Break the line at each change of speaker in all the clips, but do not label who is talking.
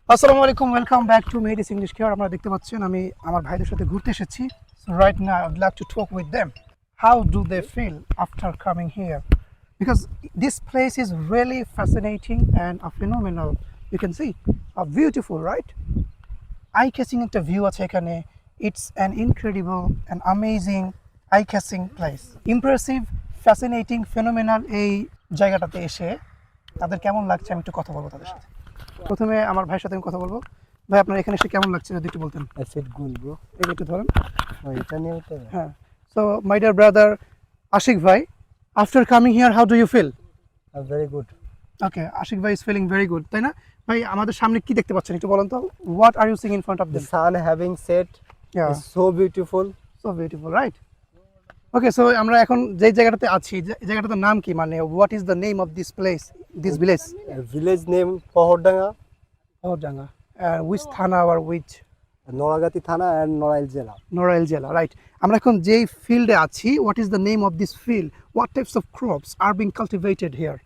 আসসালামু আলাইকুম, welcome back to Medis English care. আপনারা দেখতে পাচ্ছেন আমি আমার ভাইদের সাথে ঘুরতে এসেছি। So right now I would like to talk with them how do they feel after coming here, because this place is really fascinating and a phenomenal. You can see a beautiful, right? Eye catching একটা view আছে এখানে. It's an incredible and amazing eye catching place. Impressive, fascinating, phenomenal এই জায়গাটাতে এসে তাদের কেমন লাগছে আমি একটু কথা বলবো তাদের সাথে। প্রথমে আমার ভাইয়ের সাথে আমি কথা বলবো। ভাই, আপনার এখানে এসে কেমন লাগছে যদি একটু বলতেন।
I said good, bro.
এই একটু ধরেন।
এটা নিয়ে হতে হবে।
হ্যাঁ, so my dear brother Ashiq ভাই, after coming here how do you feel?
Very good.
Okay, Ashiq ভাই ইজ ফিলিং ভেরি গুড, তাই না? ভাই, আমাদের সামনে কি দেখতে পাচ্ছেন একটু বলেন তো। What are you sing in front of
The
them?
sun having set is so beautiful.
So beautiful, right? Okay, so আমরা এখন যে জায়গাটাতে আছি, এই জায়গাটার নাম কি, মানে what is the name of this place, this village?
Village name Pohordanga,
Pohordanga. Which thana আর which?
Noragati Thana and Norail Jela.
Norail জেলা, রাইট? আমরা এখন যেই ফিল্ডে আছি, what is the name of this field? What types of crops are being cultivated here?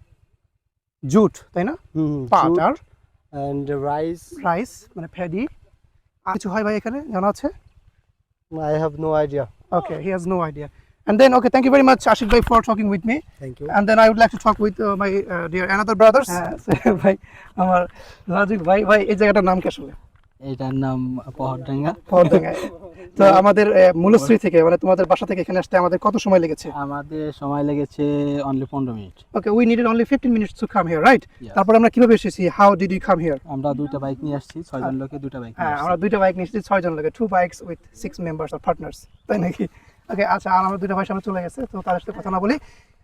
Jute, তাই না? পাট
Jute
আর
and rice.
রাইস, মানে প্যাডি। আর কিছু হয় ভাই এখানে জানা আছে?
I have no idea.
Okay, he has no idea. And then, okay, thank you very much, Ashik bhai, for talking with me.
Thank you.
And then I would like to talk with my dear another brothers. ভাই, আমার রাজিক ভাই, এই জায়গাটার নাম কি আসলে?
এটার নাম পহরডাঙ্গা।
পহরডাঙ্গা। তো আমাদের মূলশ্রী থেকে, মানে তোমাদের বাসা থেকে এখানে আসতে আমাদের কত সময় লেগেছে?
আমাদের সময় লেগেছে only 15 minute.
Okay, we needed only 15 minutes to come here, right?
Yes.
তারপর আমরা কিভাবে এসেছি? How did you come here?
আমরা দুইটা বাইক নিয়ে আসছি, 6 জন লোকে দুইটা বাইক নিয়ে
হ্যাঁ,
আসছি।
আমরা দুইটা বাইক নিয়ে এসেছি, 6 জন লোকে, 2 bikes with 6 members or partners, তাই নাকি? ওকে, আচ্ছা, আর আমার দুইটা ভাই সামনে চলে গেছে, তো তাদের সাথে কথা না বলি।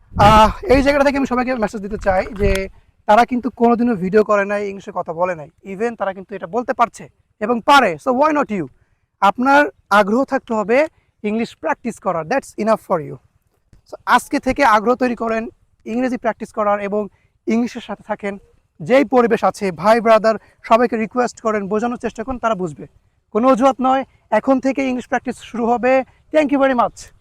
এই জায়গাটা থেকে আমি সবাইকে মেসেজ দিতে চাই যে তারা কিন্তু কোনোদিনও ভিডিও করে নাই, ইংলিশে কথা বলে নাই, ইভেন তারা কিন্তু এটা বলতে পারছে এবং পারে। So why not you? আপনার আগ্রহ থাকতে হবে ইংলিশ প্র্যাকটিস করার, that's enough for you. So আজকে থেকে আগ্রহ তৈরি করেন ইংরেজি প্র্যাকটিস করার এবং ইংলিশের সাথে থাকেন। যেই পরিবেশ আছে, ভাই ব্রাদার সবাইকে রিকোয়েস্ট করেন, বোঝানোর চেষ্টা করেন, তারা বুঝবে। কোনো অজুহাত নয়, এখন থেকে ইংলিশ প্র্যাকটিস শুরু হবে। Thank you very much.